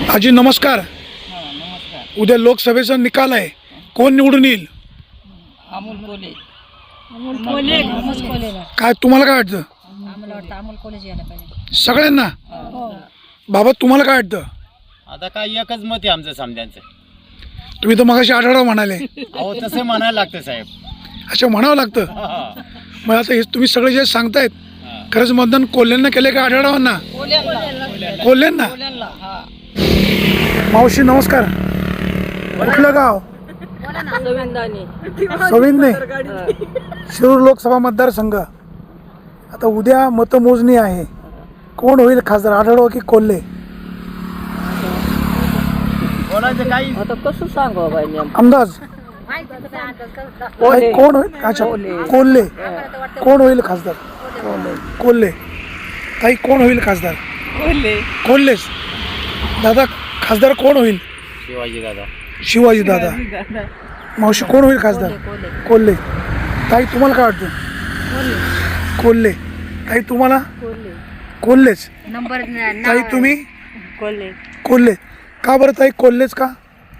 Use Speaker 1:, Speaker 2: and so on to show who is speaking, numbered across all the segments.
Speaker 1: आजी नमस्कार.
Speaker 2: नमस्कार.
Speaker 1: उद्या लोकसभेचा निकाल आहे, कोण निवडून येईल?
Speaker 2: अमोल कोले.
Speaker 1: काय तुम्हाला काय वाटतं?
Speaker 3: आम्हाला वाटतं अमोल कॉलेज यायला पाहिजे
Speaker 1: सगळ्यांना.
Speaker 3: हो
Speaker 1: बाबा तुम्हाला काय वाटतं?
Speaker 4: आता काय एकच मत आहे आमचं समजायचं.
Speaker 1: तुम्ही तर मगाशी आढळराव म्हणाले.
Speaker 4: अहो तसं म्हणायला लागतं साहेब.
Speaker 1: अच्छा म्हणावं लागतं. मग आता हे तुम्ही सगळे जे सांगतायत, खरंच मतदान कोल्ह्यांना केले का आढळरावांना? कोल्ह्यांना. मावशी नमस्कार. कुठलं गाव? सविंदने. शिरूर लोकसभा मतदारसंघ. आता उद्या मतमोजणी आहे, कोण होईल खासदार, आढळराव की कोल्हे?
Speaker 4: बोलायचं काही
Speaker 2: आता कसं सांगू बाई
Speaker 1: अंदाज ताई, कोण होईल? अच्छा कोल्हे. कोण होईल खासदार? कोल्हे. ताई कोण होईल खासदार? कोल्हेच. दादा खासदार कोण होईल?
Speaker 4: शिवाजी दादा.
Speaker 1: शिवाजी दादा. मावशी कोण होईल खासदार? कोल्हे. ताई तुम्हाला काय वाटतं? कोल्हे. ताई तुम्हाला? कोल्हेच.
Speaker 3: नंबर
Speaker 1: ताई तुम्ही?
Speaker 2: कोल्हे.
Speaker 1: कोल्हे. का बरं ताई कोल्हेच का?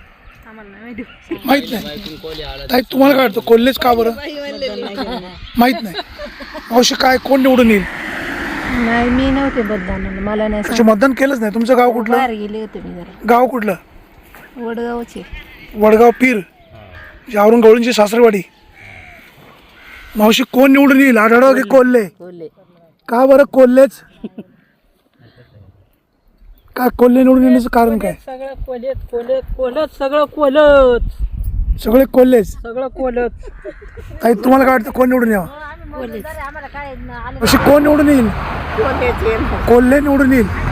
Speaker 1: माहित नाही. ताई तुम्हाला काय वाटतं कोल्हेच का बरं? माहित नाही. मावशी काय कोण निवडून येईल?
Speaker 3: नाही मी नव्हते मतदानाला, मला नाही
Speaker 1: अच्छा मतदान केलंच नाही. तुमचं गाव कुठलं?
Speaker 3: बाहेर गेले होते मी जरा
Speaker 1: गाव कुठलं?
Speaker 3: वडगावचे.
Speaker 1: वडगाव पीर, औरंग गवळींची सासरवाडी. मावशी कोण निवडून येईल, आढळराव की कोल्हे? का बरं कोल्हेच? का कोल्हे निवडून येण्याचं कारण काय?
Speaker 2: सगळं कोलत सगळं कोलत
Speaker 1: सगळे कोल्हेच.
Speaker 2: सगळं कोलत.
Speaker 1: ताई तुम्हाला काय वाटतं कोण निवडून यावं? अशी कोण निवडून येईल? कोल्हे निवडून येईल.